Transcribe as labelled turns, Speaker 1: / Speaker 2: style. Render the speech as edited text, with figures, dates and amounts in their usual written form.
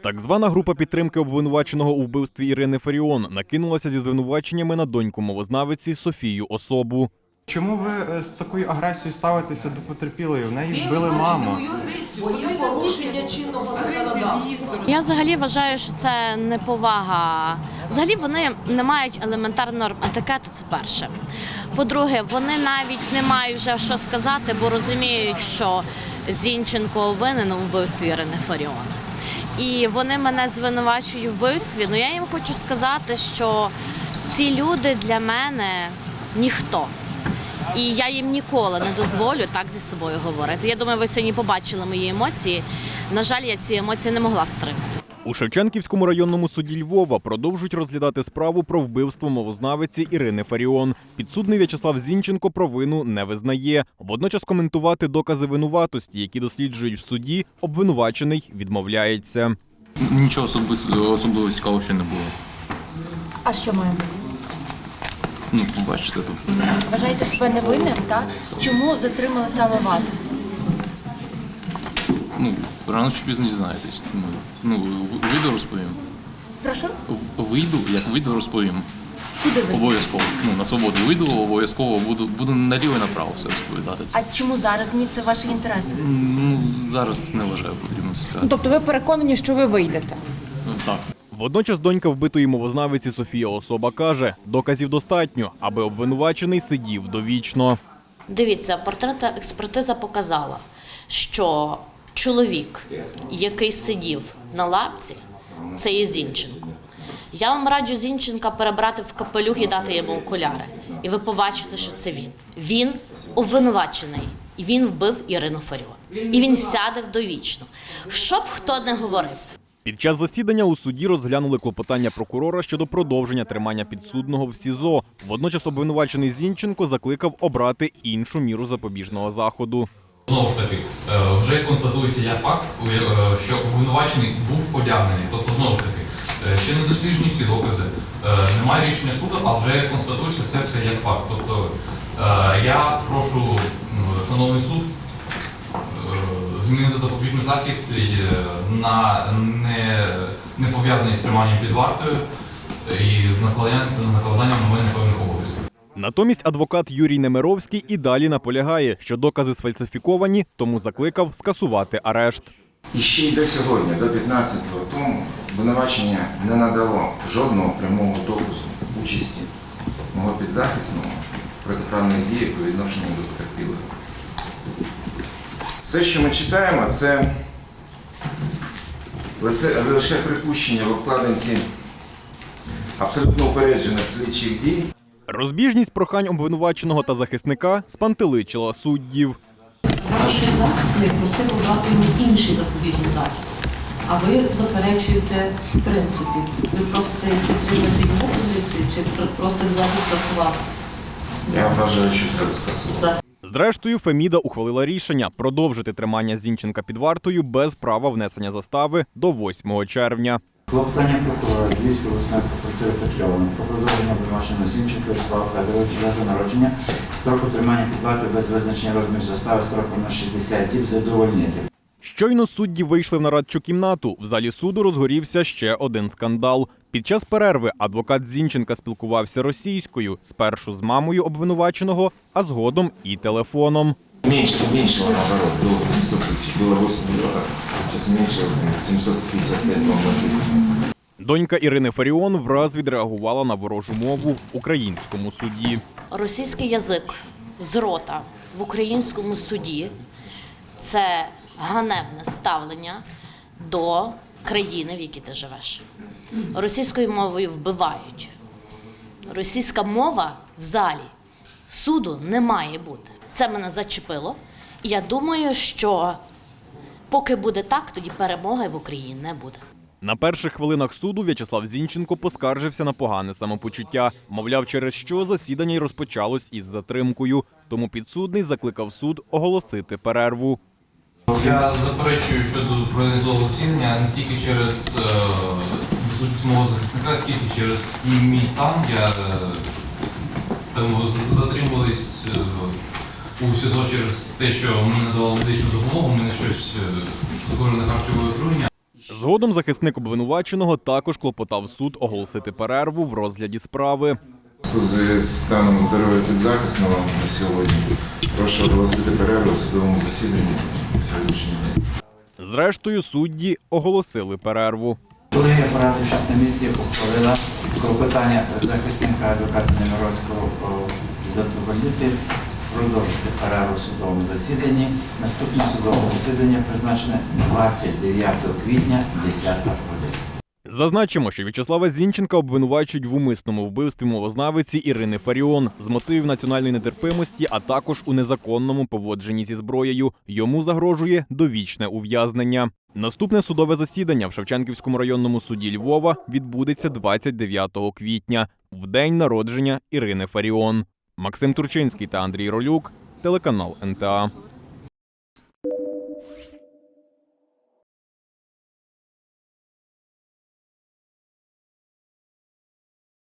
Speaker 1: Так звана група підтримки обвинуваченого у вбивстві Ірини Фаріон накинулася зі звинуваченнями на доньку мовознавиці Софію Особу.
Speaker 2: Чому ви з такою агресією ставитеся до потерпілої? В неї вбили маму.
Speaker 3: Я взагалі вважаю, що це неповага. Взагалі вони не мають елементарних норм етикету, це перше. По-друге, вони навіть не мають вже що сказати, бо розуміють, що Зінченко винен у вбивстві Ірини Фаріон. І вони мене звинувачують у вбивстві. Ну я їм хочу сказати, що ці люди для мене ніхто. І я їм ніколи не дозволю так зі собою говорити. Я думаю, ви сьогодні побачили мої емоції. На жаль, я ці емоції не могла стримати.
Speaker 1: У Шевченківському районному суді Львова продовжують розглядати справу про вбивство мовознавиці Ірини Фаріон. Підсудний В'ячеслав Зінченко провину не визнає. Водночас коментувати докази винуватості, які досліджують в суді, обвинувачений відмовляється.
Speaker 4: Нічого особливо цікавого ще не було.
Speaker 5: А що має бути?
Speaker 4: Ну, бачите тут.
Speaker 5: Вважаєте себе невинним, так? Чому затримали саме вас?
Speaker 4: Ну, рано чи пізно дізнаєтесь. Ну, вийду, розповім.
Speaker 5: Прошу?
Speaker 4: Як вийду, розповім.
Speaker 5: Куди ви?
Speaker 4: Обов'язково. Ну, на свободу вийду, обов'язково буду наліво і направо все розповідати.
Speaker 5: А чому зараз ні? Це ваші інтереси?
Speaker 4: Ну, зараз не вважаю, потрібно це сказати.
Speaker 6: Тобто ви переконані, що ви вийдете?
Speaker 4: Ну, так.
Speaker 1: Водночас донька вбитої мовознавиці Софія Особа каже, доказів достатньо, аби обвинувачений сидів довічно.
Speaker 3: Дивіться, портретна експертиза показала, що чоловік, який сидів на лавці, це є Зінченко. Я вам раджу Зінченка перебрати в капелюх і дати йому окуляри. І ви побачите, що це він. Він обвинувачений. І він вбив Ірину Фаріон. І він сяде довічно. Що б хто не говорив.
Speaker 1: Під час засідання у суді розглянули клопотання прокурора щодо продовження тримання підсудного в СІЗО. Водночас обвинувачений Зінченко закликав обрати іншу міру запобіжного заходу.
Speaker 7: Знову ж таки, вже констатується як факт, що обвинувачений був одягнений. Тобто, знову ж таки, ще не досліджені всі докази, немає рішення суду, а вже констатується це все як факт. Тобто, я прошу, шановний суд, змінити запобіжний захід на не пов'язаний з триманням під вартою і з накладанням на мене певних обов'язків.
Speaker 1: Натомість адвокат Юрій Немировський і далі наполягає, що докази сфальсифіковані, тому закликав скасувати арешт.
Speaker 8: І ще й до сьогодні, до 15-го тому, обвинувачення не надало жодного прямого доказу участі мого підзахисного в протиправних діях по відношенню до потерпілих. Все, що ми читаємо, це лише припущення в обкладинці абсолютно упереджених слідчих дій.
Speaker 1: Розбіжність прохань обвинуваченого та захисника спантеличила суддів.
Speaker 9: Ваш захисник просив обрати йому інший запобіжний захід, а ви заперечуєте в принципі. Ви просто підтримуєте його позицію чи просто захід скасувати?
Speaker 8: Я вважаю, що треба скасувати.
Speaker 1: Зрештою, Феміда ухвалила рішення продовжити тримання Зінченка під вартою без права внесення застави до 8 червня.
Speaker 10: Клопотання прокурора Львівської обласної прокуратури Петрьової про продовження обвинуваченого Зінченка В'ячеслава Федоровича дати народження строку тримання під вартою без визначення розміру застави строком на 60 діб задовольнити.
Speaker 1: Щойно судді вийшли в нарадчу кімнату. В залі суду розгорівся ще один скандал. Під час перерви адвокат Зінченка спілкувався російською, спершу з мамою обвинуваченого, а згодом і телефоном.
Speaker 8: Меньше наоборот, до 700 тысяч. Было 8 миллионов, сейчас меньше 755 тысяч.
Speaker 1: Донька Ірини Фаріон враз відреагувала на ворожу мову в українському суді.
Speaker 3: Російський язик з рота в українському суді – це ганебне ставлення до країни, в якій ти живеш. Російською мовою вбивають. Російська мова в залі суду не має бути. Це мене зачепило. І я думаю, що поки буде так, тоді перемоги в Україні не буде.
Speaker 1: На перших хвилинах суду В'ячеслав Зінченко поскаржився на погане самопочуття. Мовляв, через що засідання й розпочалось із затримкою. Тому підсудний закликав суд оголосити перерву.
Speaker 7: Я заперечую щодо проаналізованого засідання не стільки через відсутність мого захисника, скільки через мій стан. Я затримувались у СІЗО через те, що мені надавали медичну допомогу, у мене щось схоже на харчове отруєння.
Speaker 1: Згодом захисник обвинуваченого також клопотав суд оголосити перерву в розгляді справи.
Speaker 8: У зв'язку з станом здоров'я підзахисного на сьогодні прошу оголосити перерву у судовому засіданні на сьогоднішній день.
Speaker 1: Зрештою, судді оголосили перерву.
Speaker 10: Колегія, порадившись на місці, ухвалила клопотання захисника адвоката Немировського задовольнити, продовжити перерву у судовому засіданні. Наступне судове засідання призначене 29 квітня 10 година.
Speaker 1: Зазначимо, що В'ячеслава Зінченка обвинувачують в умисному вбивстві мовознавиці Ірини Фаріон з мотивів національної нетерпимості, а також у незаконному поводженні зі зброєю. Йому загрожує довічне ув'язнення. Наступне судове засідання в Шевченківському районному суді Львова відбудеться 29 квітня, в день народження Ірини Фаріон. Максим Турчинський та Андрій Ролюк, телеканал НТА.